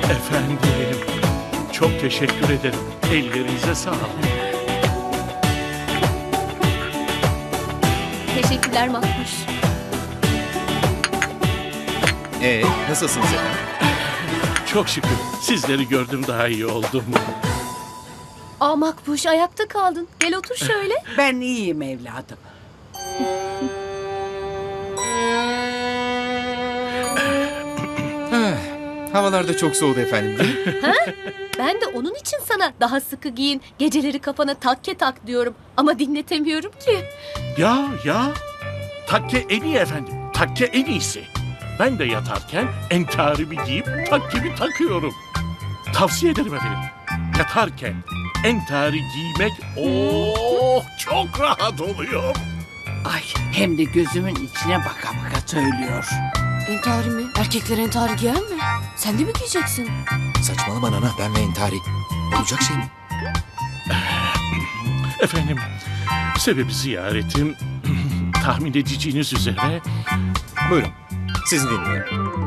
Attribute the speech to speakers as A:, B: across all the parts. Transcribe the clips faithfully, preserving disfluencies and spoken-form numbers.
A: Efendim, çok teşekkür ederim. Ellerinize sağlık.
B: Teşekkürler Makbuş.
C: Ee, nasılsınız efendim?
A: Çok şükür sizleri gördüm, daha iyi oldum.
B: Aa Makbuş, ayakta kaldın. Gel otur şöyle.
D: Ben iyiyim evladım.
C: Havalar da çok soğudu efendim değil mi?
B: Ben de onun için sana daha sıkı giyin, geceleri kafana takke tak diyorum. Ama dinletemiyorum ki.
A: Ya ya, takke en iyi efendim. Takke en iyisi. Ben de yatarken entarimi giyip takkemi takıyorum. Tavsiye ederim efendim. Yatarken entari giymek oh çok rahat oluyor.
D: Ay hem de gözümün içine baka baka söylüyor.
B: Entari mi? Erkekler entari giyer mi? Sen de mi giyeceksin?
C: Saçmalama nana, ben ve entari. Olacak şey mi?
A: Efendim, sebebi ziyaretim tahmin edeceğiniz üzere
C: Buyurun, sizi dinliyorum.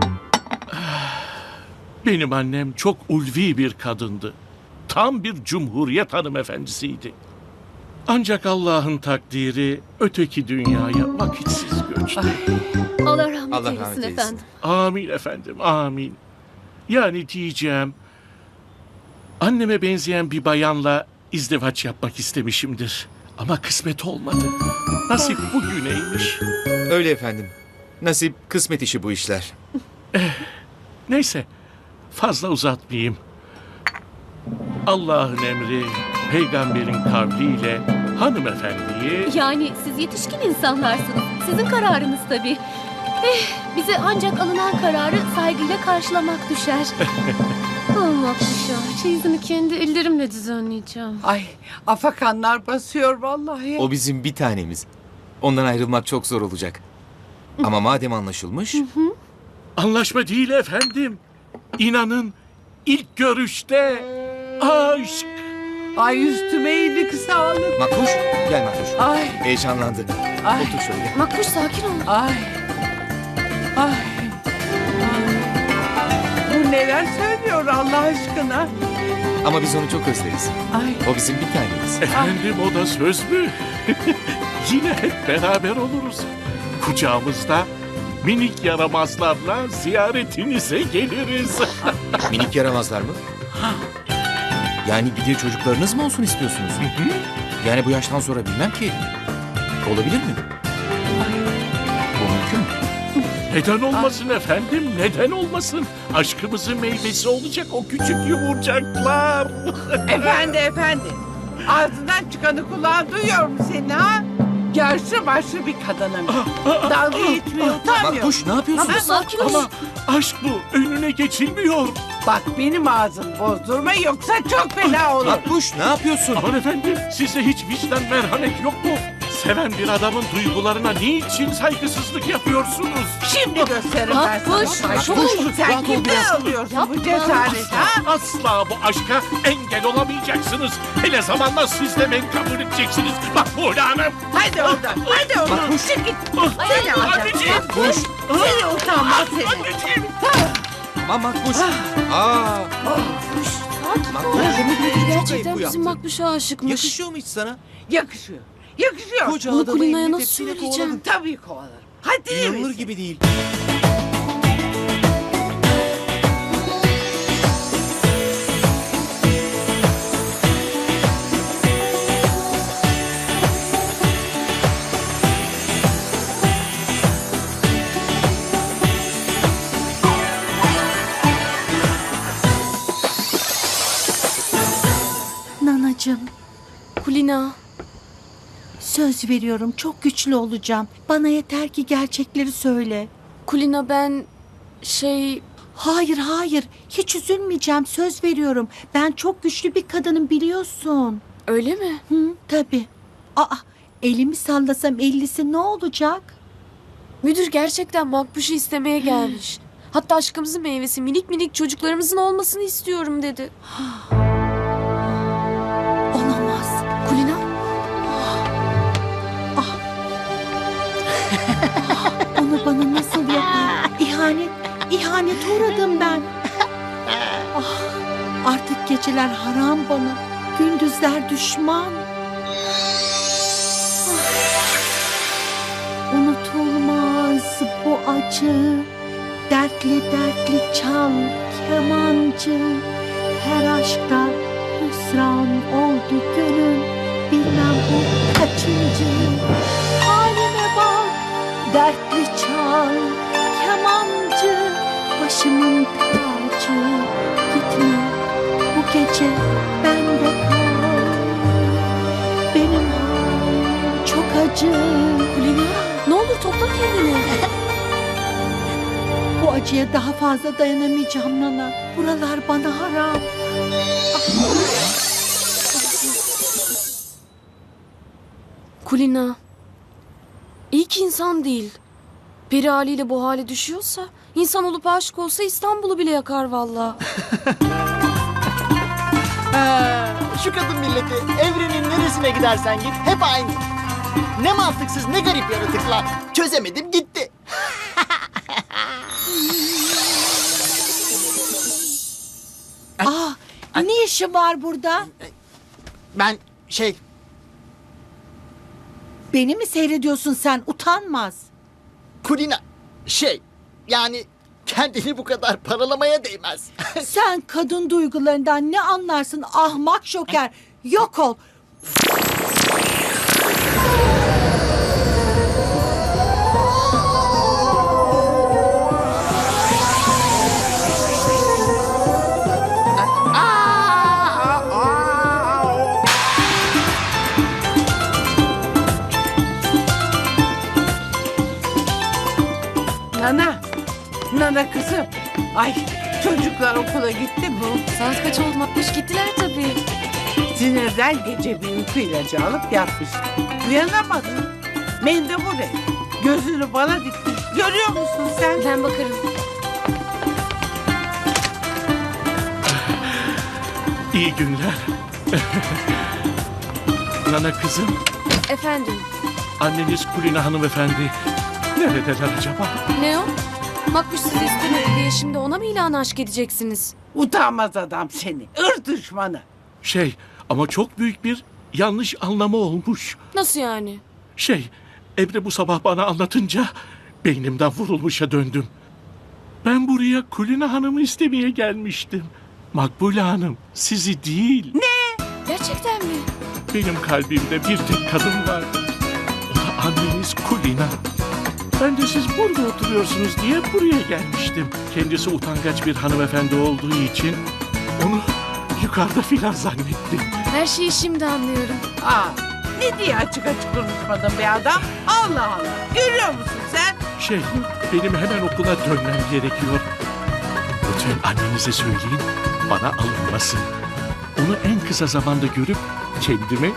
A: benim annem çok ulvi bir kadındı. Tam bir cumhuriyet hanımefendisiydi. Ancak Allah'ın takdiri öteki dünyaya vakitsiz göçtü.
B: Allah rahmet
C: Allah
B: eylesin
C: rahmet eylesin.
B: efendim.
A: Amin efendim, amin. Yani diyeceğim, anneme benzeyen bir bayanla izdivaç yapmak istemişimdir. Ama kısmet olmadı. Nasip bugüneymiş.
C: Öyle efendim. Nasip, kısmet işi bu işler.
A: Neyse, fazla uzatmayayım. Allah'ın emri, peygamberin kavliyle hanımefendiyi...
B: Yani siz yetişkin insanlarsınız. Sizin kararınız tabii. Eh, bize ancak alınan kararı saygıyla karşılamak düşer. Oh Makbuş'a, çeyizini kendi ellerimle düzenleyeceğim.
D: Ay afakanlar basıyor vallahi.
C: O bizim bir tanemiz. Ondan ayrılmak çok zor olacak. Ama madem anlaşılmış...
A: Anlaşma değil efendim. İnanın, ilk görüşte aşk.
D: Ay üstüme iyilik sağlık.
C: Makbuş, gel Makbuş.
D: Ay
C: Heyecanlandı.
D: Ay.
C: Otur şöyle.
B: Makbuş sakin ol.
D: ay. Ay. Bu neler söylüyor Allah aşkına?
C: Ama biz onu çok özleriz.
D: Ay.
C: O bizim bir tanemiz.
A: Efendim, o da söz mü? Yine hep beraber oluruz. Kucağımızda minik yaramazlarla ziyaretinize geliriz.
C: Minik yaramazlar mı? Yani bir de çocuklarınız mı olsun istiyorsunuz? Yani bu yaştan sonra bilmem ki. Olabilir mi? Bu mümkün mü?
A: Neden olmasın efendim? Neden olmasın? Aşkımızın meyvesi olacak o küçük yumurcaklar.
D: Efendi efendi. Ağzından çıkanı kulağın duyuyor mu seni ha? Yaşlı başlı bir kadınım. Dalga geçmeye utanmıyor.
C: Makbuş, ne yapıyorsun?
B: Makbuş sakin ol.
A: Ama aşk bu. Önüne geçilmiyor.
D: Bak benim ağzım bozdurma yoksa çok fena olur.
C: Makbuş, ne yapıyorsun?
A: Aman efendim, sizde hiç vicdan merhamet yok mu? Seven bir adamın duygularına niçin saygısızlık yapıyorsunuz?
D: Şimdi gösteririm ben
B: Makbuş,
D: sana.
B: Makbuş.
D: Sen
C: Rahat ol
D: kimden
C: biraz.
D: alıyorsun bu
B: Yapma.
D: cesaret ha?
A: Asla bu aşka engel olamayacaksınız. Hele zamanla siz de beni kabul edeceksiniz. Makbule Hanım.
D: Hadi oradan, hadi oradan.
C: Makbuş.
D: Çık git.
A: Ah,
D: Seni alacağım.
A: anneciğim.
C: Makbuş.
D: Seni utanmaz seni.
A: Anneciğim.
C: Aman Makbuş. Aa,
B: Makbuş sakin ol.
C: Makbuş.
B: Demek ki
C: Çok ayıp
B: gerçekten
C: bu
B: bizim
C: yaptın.
B: Makbuş'a aşıkmış.
C: Yakışıyor mu hiç sana?
D: Yakışıyor. Yakışıyor.
C: Koca
B: Bunu
C: adamı
B: Kulina'ya
C: elini
B: nasıl
C: tepsiyle
B: söyleyeceğim?
C: kovaladın.
D: Tabii kovalarım. Hadi iyi
C: İnanılır
D: misin?
C: gibi değil.
E: Nanacığım,
B: Kulina.
E: söz veriyorum çok güçlü olacağım. Bana yeter ki gerçekleri söyle.
B: Kulina ben şey...
E: Hayır hayır, hiç üzülmeyeceğim, söz veriyorum. Ben çok güçlü bir kadınım biliyorsun.
B: Öyle mi?
E: Hı, tabii. Aa, elimi sallasam ellisi ne olacak?
B: Müdür gerçekten Makbuş'u istemeye gelmiş. Hatta aşkımızın meyvesi minik minik çocuklarımızın olmasını istiyorum dedi.
E: Olamaz.
B: Kulina?
E: Onu bana nasıl yapar? İhanet, ihanete uğradım ben. Ah, geceler haram bana. Gündüzler düşman. Unutulmaz bu acı. Dertli dertli çal kemancı. Her aşkta hüsran oldu gönül. Bilmem bu kaçıncı. Halime bak, dertli çal kemancı. Başımın tacı. Gitme bu gece bende kal. Benim halim çok acı.
B: Kulina, ne olur topla kendini.
E: Bu acıya daha fazla dayanamayacağım Nana. Buralar bana haram.
B: Kulina, iyi ki insan değil. Peri haliyle bu hale düşüyorsa, insan olup aşık olsa İstanbul'u bile yakar valla.
F: Ha, şu kadın milleti evrenin neresine gidersen git hep aynı. Ne mantıksız ne garip yaratıklar. Çözemedim gitti.
E: Aa, ne işin var burada?
F: Ben şey
E: Beni mi seyrediyorsun sen? Utanmaz.
F: Kulina şey yani kendini bu kadar paralamaya değmez.
E: Sen kadın duygularından ne anlarsın ahmak şoker? Yok ol.
D: Nana. Nana kızım. Ay çocuklar okula gitti mi?
B: Saat kaç oldu Makbuş? Gittiler tabii.
D: Sinirden gece bir uyku ilacı alıp yatmıştı. Uyanamadı. Mendebure. Gözünü bana dikti. Görüyor musun sen?
B: Ben bakarım.
A: İyi günler. Nana kızım,
B: Efendim,
A: anneniz Kulina hanımefendi neredeler acaba?
B: ne o? Makbuş sizi istemedi diye şimdi ona mı ilan aşk edeceksiniz?
D: Utanmaz adam seni. Irk düşmanı.
A: Şey, ama çok büyük bir yanlış anlama olmuş.
B: Nasıl yani?
A: Şey, Emre bu sabah bana anlatınca beynimden vurulmuşa döndüm. Ben buraya Kulina Hanım'ı istemeye gelmiştim. Makbule Hanım, sizi değil.
B: Gerçekten mi?
A: Benim kalbimde bir tek kadın var. O da anneniz Kulina. Ben de siz burada oturuyorsunuz diye buraya gelmiştim. Kendisi utangaç bir hanımefendi olduğu için onu yukarıda filan zannettim.
B: Her şeyi şimdi anlıyorum.
D: Aa, ne diye açık açık konuşmadın be adam? Allah Allah. Görüyor musun sen?
A: Şey, benim hemen okula dönmem gerekiyor. Lütfen annenize söyleyin, bana alınmasın. Onu en kısa zamanda görüp kendime